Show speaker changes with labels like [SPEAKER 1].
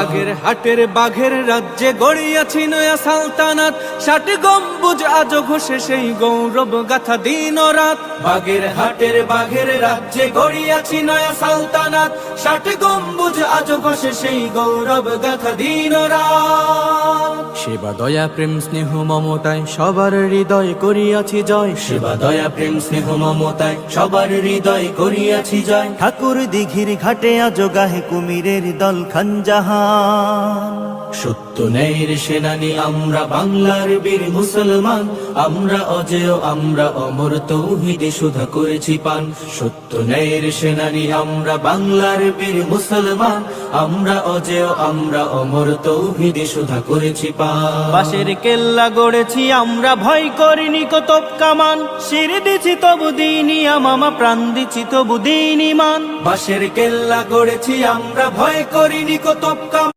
[SPEAKER 1] বাগের হাটের বাঘের রাজ্যে গড়িয়াছি নয়া সালতানাত, 60 গম্বুজ আজো ঘোষে সেই গৌরব গাথা দিন ও রাত। বাগের হাটের বাঘের রাজ্যে গড়িয়াছি নয়া সালতানাত, 60 গম্বুজ আজো ঘোষে সেই গৌরব গাথা দিন ও রাত। সেবা দয়া প্রেম স্নেহ মমতায় সবার হৃদয় করিয়াছি জয়, সেবা দয়া প্রেম স্নেহ মমতায় সবার হৃদয় করিয়াছি জয়।
[SPEAKER 2] ঠাকুর দিঘির ঘাটে আজো গাহে কুমিরের দল খানজাহান।
[SPEAKER 1] সত্য ন্যায়ের সেনানী আমরা বাংলার বীর মুসলমান, আমরা অজেয় আমরা অমর তৌহিদে সুধা করেছি পান। সত্য ন্যায়ের সেনানী আমরা বাংলার বীর মুসলমান, আমরা অজেয় আমরা অমর তৌহিদে সুধা করেছি পান।
[SPEAKER 2] বাঁশের কেল্লা গড়েছি আমরা, ভয় করিনি কতব কামান। শির দিছি তবু দিনি আমামা, প্রাণ দিছি তবু দিনি মান।
[SPEAKER 1] বাঁশের কেল্লা গড়েছি আমরা, ভয় করিনি কতব কামান।